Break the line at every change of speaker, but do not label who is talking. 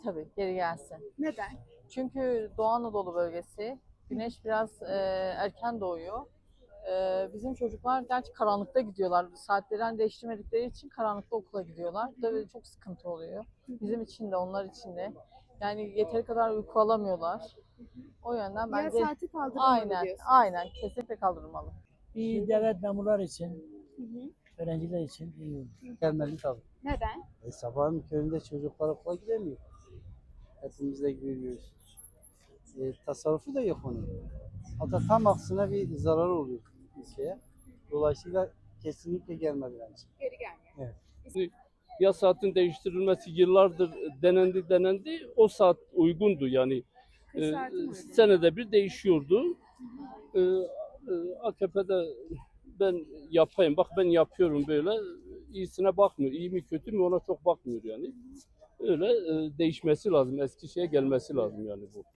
Tabii geri gelsin.
Neden?
Çünkü Doğu Anadolu bölgesi, güneş biraz erken doğuyor. Bizim çocuklar gerçi karanlıkta gidiyorlar. Saatlerini değiştirmedikleri için karanlıkta okula gidiyorlar. Tabii çok sıkıntı oluyor. Bizim için de onlar için de. Yani yeteri kadar uyku alamıyorlar. O yönden
Yaz
bence
saati kaldırılmalı
aynen,
diyorsunuz.
aynen kesinlikle kaldırılmalı.
İyi devlet memurları için,
Hı hı.
öğrenciler için iyi olur.
Gelmeli tabii.
Neden?
Sabahın köründe çocuklar okula gidemiyor. Hepimiz de gidiyoruz. Tasarrufu da yok onun. Hatta tam aksine bir zarar oluyor ülkeye. Dolayısıyla kesinlikle gelmeli bence.
Geri gelmiyor.
Evet.
Yaz saatin değiştirilmesi yıllardır denendi. O saat uygundu yani.
Kış saati mi uygun?
Senede bir değişiyordu. AKP'de ben yapayım, bak ben yapıyorum böyle. İyisine bakmıyor. İyi mi kötü mü ona çok bakmıyor yani. Öyle değişmesi lazım. Eski şeye gelmesi lazım yani bu.